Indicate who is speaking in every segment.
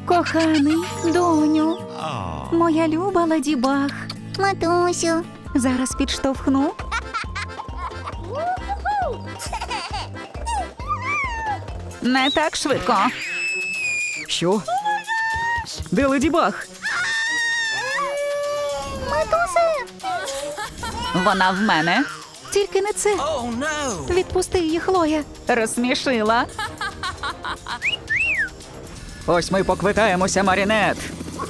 Speaker 1: Коханий, доню, моя люба Леді Баг.
Speaker 2: Матусю.
Speaker 1: Зараз підштовхну. Не так швидко. Що? Де Леді Баг?
Speaker 2: Матусе.
Speaker 1: Вона в мене. Тільки не це. Відпусти її, Хлоя. Розсмішила. Ось ми поквитаємося, Марінет.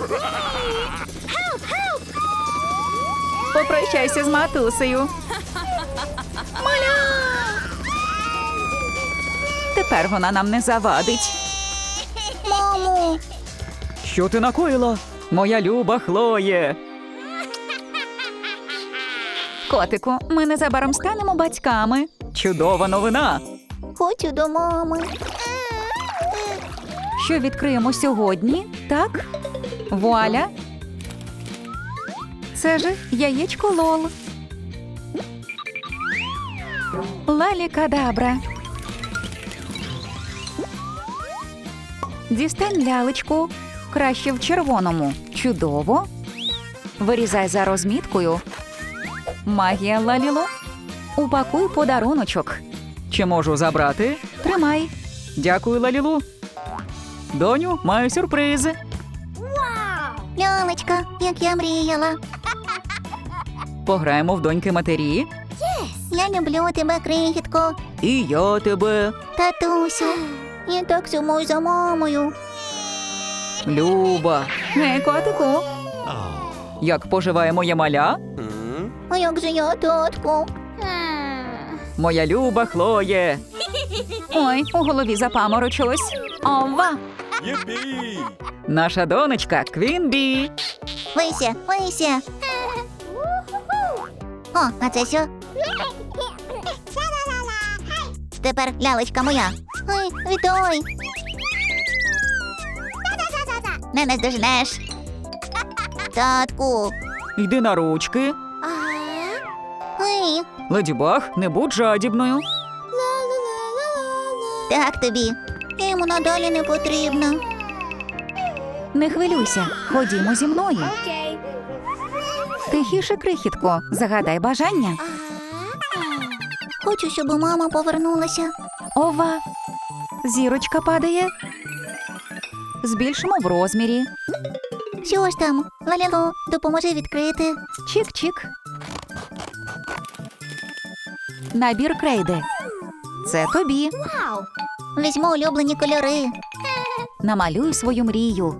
Speaker 1: Попрощайся з матусею. Тепер вона нам не завадить.
Speaker 2: Мамо.
Speaker 1: Що ти накоїла? Моя люба Хлоє. Котику, ми незабаром станемо батьками. Чудова новина.
Speaker 2: Хочу до мами.
Speaker 1: Що відкриємо сьогодні, так? Вуаля. Це ж яєчко Лол. Лалі-кадабра. Дістань лялечку. Краще в червоному. Чудово. Вирізай за розміткою. Магія Лалілу. Упакуй подаруночок. Чи можу забрати? Тримай. Дякую, Лалілу. Доню, маю сюрприз.
Speaker 2: Лялечка, як я мріяла.
Speaker 1: Пограємо в доньки матері.
Speaker 2: Я люблю тебе, крихітко.
Speaker 1: І я тебе.
Speaker 2: Татусю. Я так сумую за мамою.
Speaker 1: Люба. Гей, котику. Як поживає моя маля?
Speaker 2: А як же я, татку?
Speaker 1: Моя люба Хлоє. Ой, у голові запаморочилось. Ова. Наша донечка Квінбі.
Speaker 2: Вися, вися. О, а це що? Тепер лялечка моя. Ой, вітой. Не наздожнеш. Татку.
Speaker 1: Йди на ручки.
Speaker 2: Ой,
Speaker 1: Леді Баг, не будь жадібною.
Speaker 2: так тобі. Я йому надалі не потрібна.
Speaker 1: Не хвилюйся, ходімо зі мною. Тихіше, крихітко, загадай бажання.
Speaker 2: Хочу, щоб мама повернулася.
Speaker 1: Ова. Зірочка падає. Збільшимо в розмірі.
Speaker 2: Що ж там? Лалілу, допоможи відкрити.
Speaker 1: Чик-чик. Набір крейди. Це тобі.
Speaker 2: Візьму улюблені кольори.
Speaker 1: Намалюй свою мрію.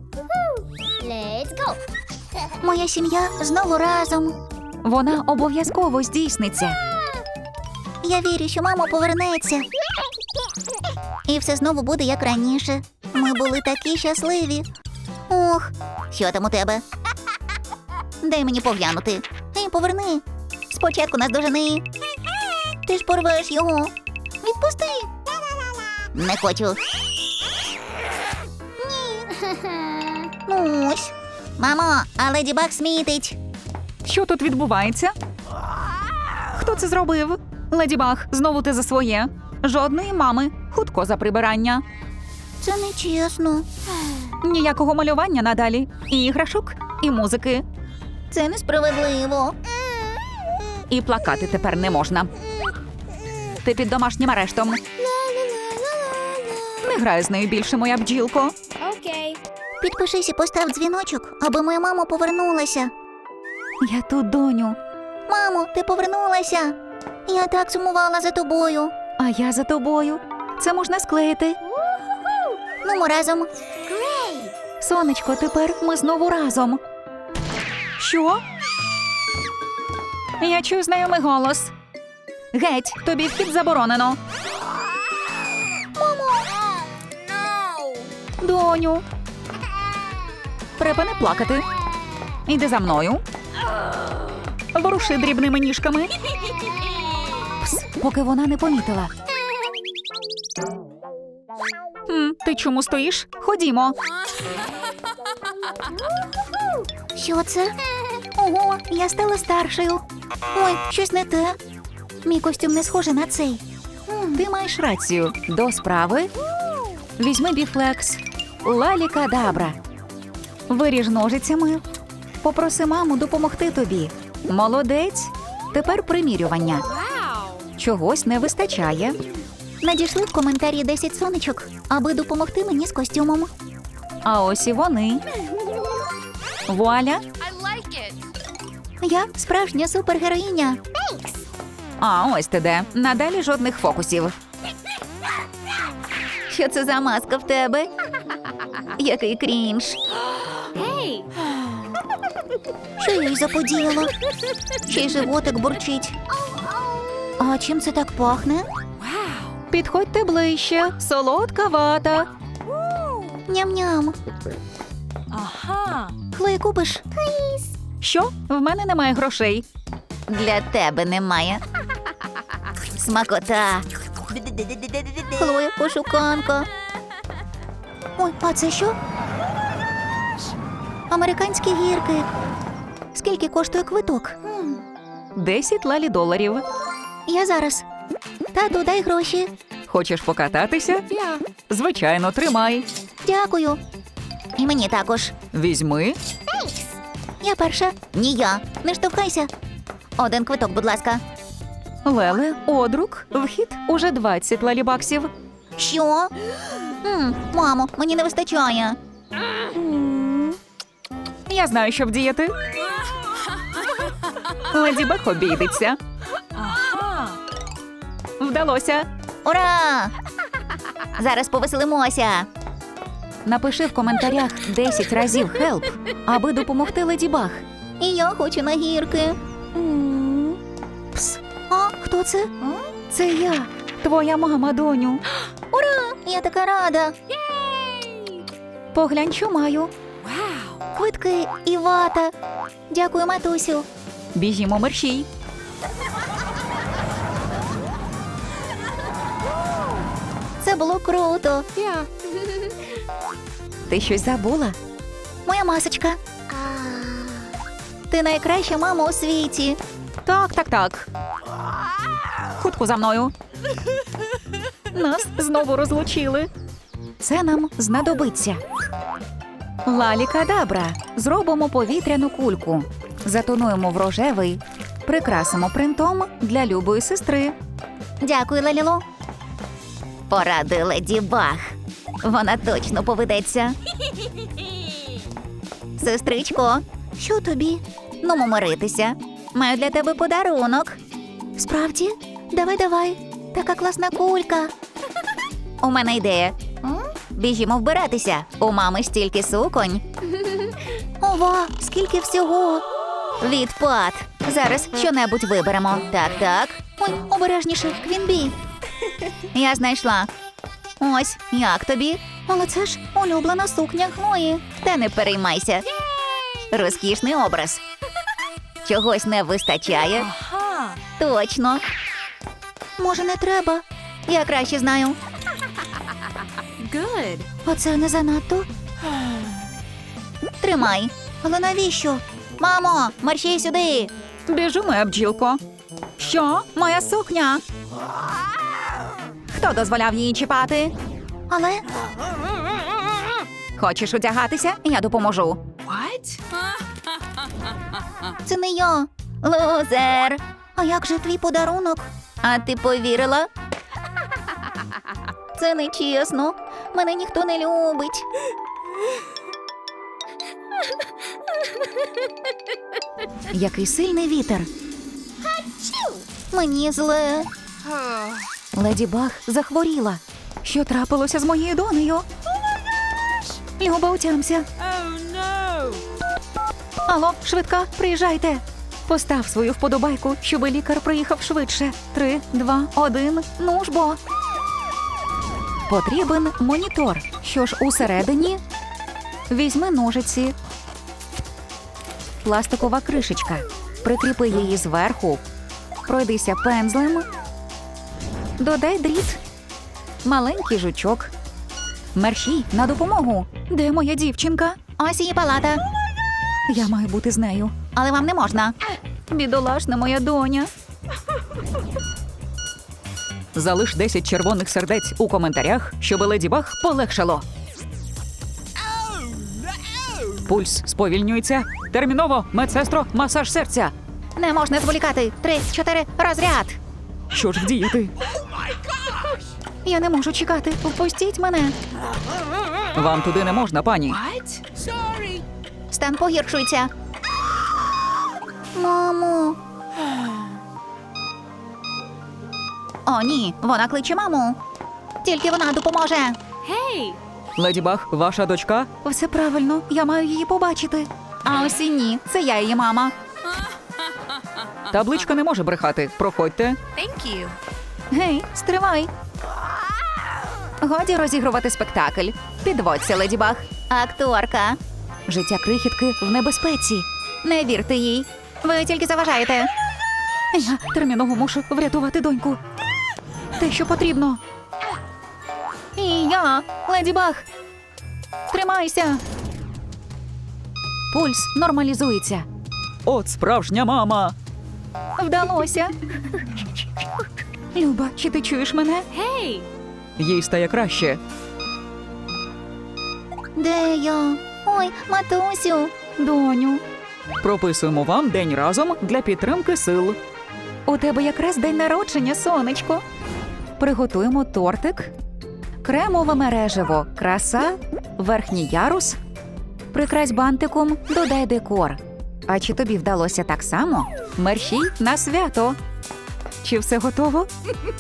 Speaker 2: Моя сім'я знову разом.
Speaker 1: Вона обов'язково здійсниться.
Speaker 2: Я вірю, що мама повернеться. І все знову буде, як раніше. Ми були такі щасливі. Ох, що там у тебе? Дай мені поглянути. Ей, поверни. Спочатку нас дожени. Ти ж порвеш його. Відпусти. Не хочу. Ні. Ну ось. Мамо, а Леді Баг смітить.
Speaker 1: Що тут відбувається? Хто це зробив? Леді Баг, знову ти за своє. Жодної мами. Хутко за прибирання.
Speaker 2: Це нечесно.
Speaker 1: Ніякого малювання надалі. І іграшок, і музики.
Speaker 2: Це несправедливо.
Speaker 1: І плакати тепер не можна. Ти під домашнім арештом. Не грай з нею більше, моя бджілко.
Speaker 2: Підпишись і постав дзвіночок, аби моя мама повернулася.
Speaker 1: Я тут, доню.
Speaker 2: Мамо, ти повернулася. Я так сумувала за тобою.
Speaker 1: А я за тобою. Це можна склеїти.
Speaker 2: Ну, ми разом.
Speaker 1: Сонечко, тепер ми знову разом. Що? Я чую знайомий голос. Геть, тобі вхід заборонено.
Speaker 2: Мамо!
Speaker 1: Доню. Припини плакати. Іди за мною. Воруши дрібними ніжками. Пс, поки вона не помітила. Ти чому стоїш? Ходімо.
Speaker 2: Що це? Ого, я стала старшою. Ой, щось не те. Мій костюм не схожий на цей.
Speaker 1: Ти маєш рацію. До справи. Візьми біфлекс. Лалі-кадабра. Виріж ножицями. Попроси маму допомогти тобі. Молодець. Тепер примірювання. Чогось не вистачає.
Speaker 2: Надійшли в коментарі 10 сонечок, аби допомогти мені з костюмом.
Speaker 1: А ось і вони. Вуаля.
Speaker 2: Я справжня супергероїня.
Speaker 1: А ось ти де. Надалі жодних фокусів.
Speaker 2: Що це за маска в тебе? Який крінж. Що я їй заподіяла? Ще й животик бурчить. А чим це так пахне?
Speaker 1: Підходьте ближче. Солодка вата.
Speaker 2: Ням-ням. Хлоя, купиш?
Speaker 1: Що? В мене немає грошей.
Speaker 2: Для тебе немає. Смакота. Хлоя, пошуканка. Ой, а це що? Американські гірки. Скільки коштує квиток?
Speaker 1: 10 лалі-доларів.
Speaker 2: Я зараз. Тату, дай гроші.
Speaker 1: Хочеш покататися? Звичайно, тримай.
Speaker 2: Дякую. І мені також.
Speaker 1: Візьми.
Speaker 2: Я перша. Ні, я. Не штовхайся. Один квиток, будь ласка.
Speaker 1: Леле, одрук, вхід уже 20 лалібаксів.
Speaker 2: Що? Мамо, мені не вистачає.
Speaker 1: Я знаю, що вдіяти. Леді Баг обійдеться. Вдалося.
Speaker 2: Ура! Зараз повеселимося.
Speaker 1: Напиши в коментарях 10 разів «Хелп», аби допомогти Леді Баг.
Speaker 2: І я хочу на гірки. Пс. А, хто це?
Speaker 1: Це я, твоя мама, доню.
Speaker 2: Ура! Я така рада.
Speaker 1: Поглянь, що маю.
Speaker 2: Квитки і вата. Дякую, матусю.
Speaker 1: Біжімо мерщій.
Speaker 2: Це було круто.
Speaker 1: Ти щось забула?
Speaker 2: Моя масочка. Ти найкраща мама у світі.
Speaker 1: Так. Хутко за мною. Нас знову розлучили. Це нам знадобиться. Лалі-кадабра. Зробимо повітряну кульку. Затонуємо в рожевий. Прикрасимо принтом для любої сестри.
Speaker 2: Дякую, Лалілу. Поради Леді Баг. Вона точно поведеться. Сестричко, що тобі? Ну, миритися. Маю для тебе подарунок. Справді? Давай. Така класна кулька. У мене ідея. Біжімо вбиратися. У мами стільки суконь. Ова, скільки всього. Відпад. Зараз щонебудь виберемо. Так. Ой, обережніше, Квінбі. Я знайшла. Ось, як тобі? Але це ж улюблена сукня Хлої. Та не переймайся. Розкішний образ. Чогось не вистачає? Точно. Може, не треба? Я краще знаю. Оце не занадто. Тримай. Але навіщо? Мамо, мерщій сюди.
Speaker 1: Біжу, моя бджілко. Що? Моя сукня? Хто дозволяв її чіпати?
Speaker 2: Але
Speaker 1: Хочеш одягатися? Я допоможу.
Speaker 2: це не я. Лузер. А як же твій подарунок? А ти повірила? Це нечесно. Мене ніхто не любить.
Speaker 1: Який сильний вітер.
Speaker 2: Мені зле.
Speaker 1: Леді Баг захворіла. Що трапилося з моєю донею? Люба, утямся. Алло, швидка, приїжджайте. Постав свою вподобайку, щоб лікар приїхав швидше. 3, 2, 1, ну ж бо. Потрібен монітор. Що ж усередині? Візьми ножиці. Пластикова кришечка. Прикріпи її зверху. Пройдися пензлем. Додай дріт. Маленький жучок. Мерщій, на допомогу. Де моя дівчинка?
Speaker 2: Ось її палата.
Speaker 1: Я маю бути з нею.
Speaker 2: Але вам не можна.
Speaker 1: Бідолашна моя доня. Залиш 10 червоних сердець у коментарях, щоб Леді Баг полегшало. Пульс сповільнюється. Терміново, медсестро, масаж серця.
Speaker 2: Не можна зволікати. 3, 4, розряд.
Speaker 1: Що ж вдіяти?
Speaker 2: Я не можу чекати. Впустіть мене.
Speaker 1: Вам туди не можна, пані.
Speaker 2: Стан погіршується. Мамо. О, ні, вона кличе маму. Тільки вона допоможе.
Speaker 1: Леді Баг, ваша дочка?
Speaker 2: Все правильно, я маю її побачити. А ось і ні, це я її мама.
Speaker 1: Табличка не може брехати. Проходьте.
Speaker 2: Гей, стривай. Годі розігрувати спектакль. Підводься, Леді Баг. Акторка. Життя крихітки в небезпеці. Не вірте їй. Ви тільки заважаєте.
Speaker 1: Я терміново мушу врятувати доньку.
Speaker 2: Те, що потрібно. І я, Леді Баг. Тримайся. Пульс нормалізується.
Speaker 1: От справжня мама.
Speaker 2: Вдалося. Люба, чи ти чуєш мене?
Speaker 1: Їй стає краще.
Speaker 2: Де я? Ой, матусю.
Speaker 1: Доню. Прописуємо вам день разом для підтримки сил.
Speaker 2: У тебе якраз день народження, сонечко. Приготуємо тортик. Кремове мережево, краса, верхній ярус. Прикрась бантиком, додай декор. А чи тобі вдалося так само? Мерщій на свято. Чи все готово?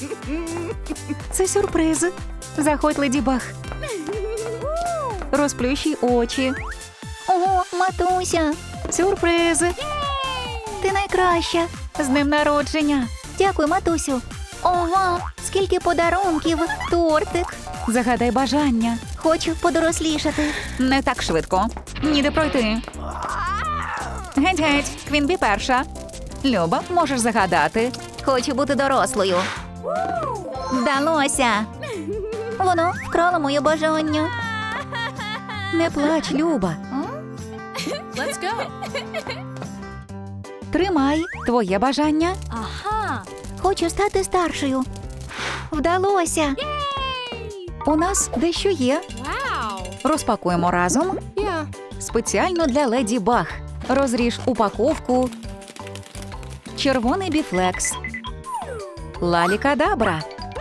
Speaker 2: Це сюрприз. Заходь, Леді Баг. Розплющуй очі. Ого, матуся. Сюрприз. Ти найкраща. З днем народження. Дякую, матусю. Ого, скільки подарунків. Тортик. Загадай бажання. Хочу подорослішати.
Speaker 1: Не так швидко. Ніде пройти.
Speaker 2: Геть-геть, Квінбі перша. Люба, можеш загадати. Хочу бути дорослою. Вдалося. Воно вкрало моє бажання. Не плач, Люба. Тримай твоє бажання. Хочу стати старшою. Вдалося. У нас дещо є. Розпакуємо разом. Спеціально для Леді Баг. Розріж упаковку. Червоний біфлекс. Лалікадабра.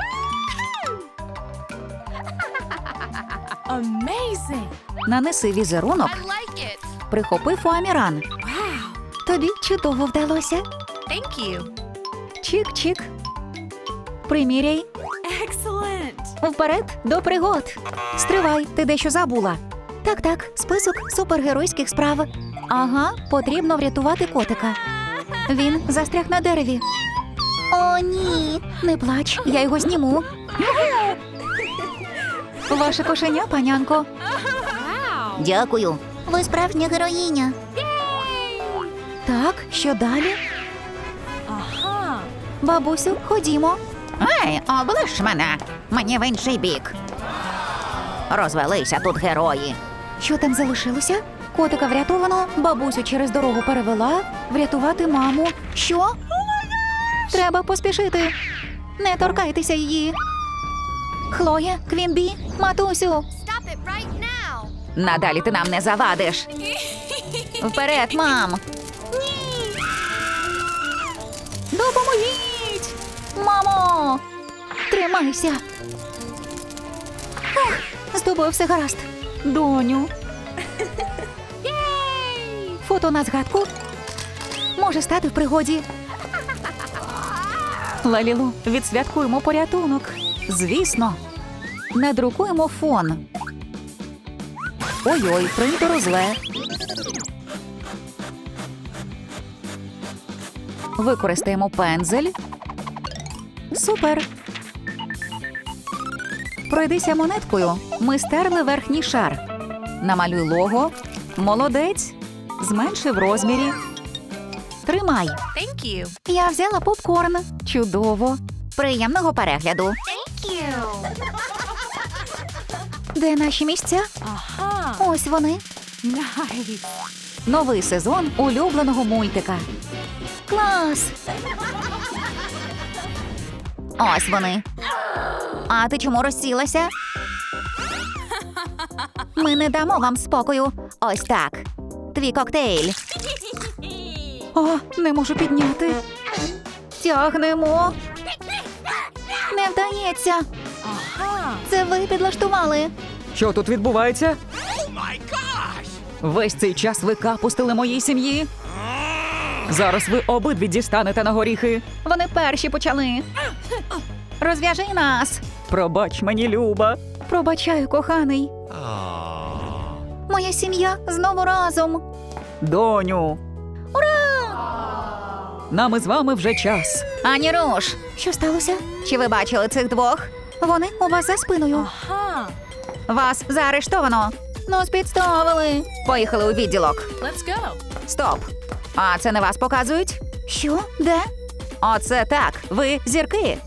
Speaker 2: Нанеси візерунок. Прихопи фоаміран. Тобі чудово вдалося. Чик-чик. Приміряй. Вперед до пригод. Стривай, ти дещо забула. Так, список супергеройських справ. Ага, потрібно врятувати котика. Він застряг на дереві. О, ні. Не плач, я його зніму. Ваше кошеня, панянко. Дякую. Ви справжня героїня. Так, що далі? Бабусю, ходімо.
Speaker 3: Ей, облиш мене! Мені в інший бік. Розвелися тут герої.
Speaker 2: Що там залишилося? Котика врятовано, бабусю через дорогу перевела, врятувати маму. Що? Треба поспішити. Не торкайтеся її. Хлоя, Квінбі, матусю.
Speaker 3: Надалі ти нам не завадиш.
Speaker 2: Вперед, мам. Допоможіть! Мамо! Тримайся. Ах, з тобою все гаразд. Доню. Фото на згадку. Може стати в пригоді. Лалілу, відсвяткуємо порятунок. Звісно. Надрукуємо фон. Ой-ой, принтеру зле. Використаємо пензель. Супер. Пройдися монеткою. Ми стерли верхній шар. Намалюй лого. Молодець. Зменши в розмірі. Тримай. Я взяла попкорн. Чудово.
Speaker 3: Приємного перегляду.
Speaker 2: Де наші місця? Ось вони. Новий сезон улюбленого мультика. Клас!
Speaker 3: Ось вони. А ти чому розсілася?
Speaker 2: Ми не дамо вам спокою.
Speaker 3: Ось так. Твій коктейль.
Speaker 1: О, не можу підняти. Тягнемо.
Speaker 2: Не вдається. Це ви підлаштували.
Speaker 1: Що тут відбувається? Весь цей час ви капустили моїй сім'ї. Зараз ви обидві дістанете на горіхи. Вони перші почали.
Speaker 2: Розв'яжи нас.
Speaker 1: Пробач мені, Люба. Пробачаю, коханий.
Speaker 2: Моя сім'я знову разом.
Speaker 1: Доню. Ура! Нам із вами вже час.
Speaker 3: Ані руш.
Speaker 2: Що сталося?
Speaker 3: Чи ви бачили цих двох?
Speaker 2: Вони у вас за спиною.
Speaker 3: Вас заарештовано.
Speaker 2: Нас підставили.
Speaker 3: Поїхали у відділок.
Speaker 4: Let's go.
Speaker 3: Стоп. А це не вас показують?
Speaker 2: Що? Де?
Speaker 3: Оце так. Ви зірки.